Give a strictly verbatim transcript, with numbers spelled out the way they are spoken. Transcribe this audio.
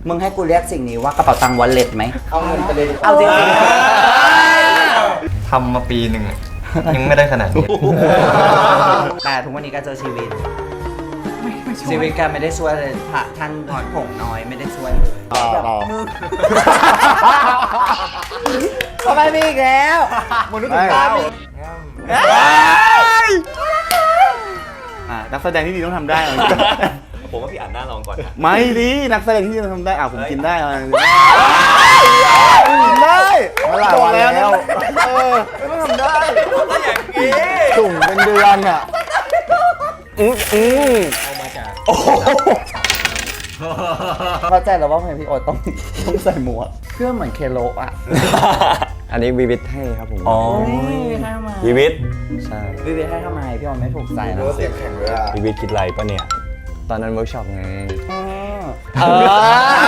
มึงให้กูเรียกสิ่งนี้ว่ากระเป๋าตังค์วอลเล็ตไหมเอาเงินไปเลยเอาจริงทำมาปีหนึ่งยังไม่ได้ขนาดนี้แต่ทุกวันนี้ก็เจอชีวิตชีวิตการไม่ได้ช่วยเลยพระท่านผงน้อยไม่ได้ช่วยเลยทำไมมีอีกแล้วมนุษย์ถึงตามีนักแสดงที่ดีต้องทำได้ผมว่าพี่อ่านหน้าลองก่อนไม่ดินักแสดงที่ดีต้องทำได้อ่ะผมกินได้อะไรได้เมื่อไหร่วันแล้วเออไม่ต้องทำได้อย่างนี้ถุงเป็นเดือนอ่ะอืออือเอามาจากเข้าใจแล้วว่าทำไมพี่โอ๊ตต้องต้องใส่หมวกเพื่อเหมือนเคโลอ่ะอันนี้วีวิทให้ครับผมอ๋อให้ทำไมวีวิทใช่วีวิทให้ทำไมพี่โอ๊ตไม่ถูกใจนะเสียงแข็งเลยอ่ะวีวิทคิดไรปะเนี่ยตอนนั้นเวิร์กช็อปไงเออ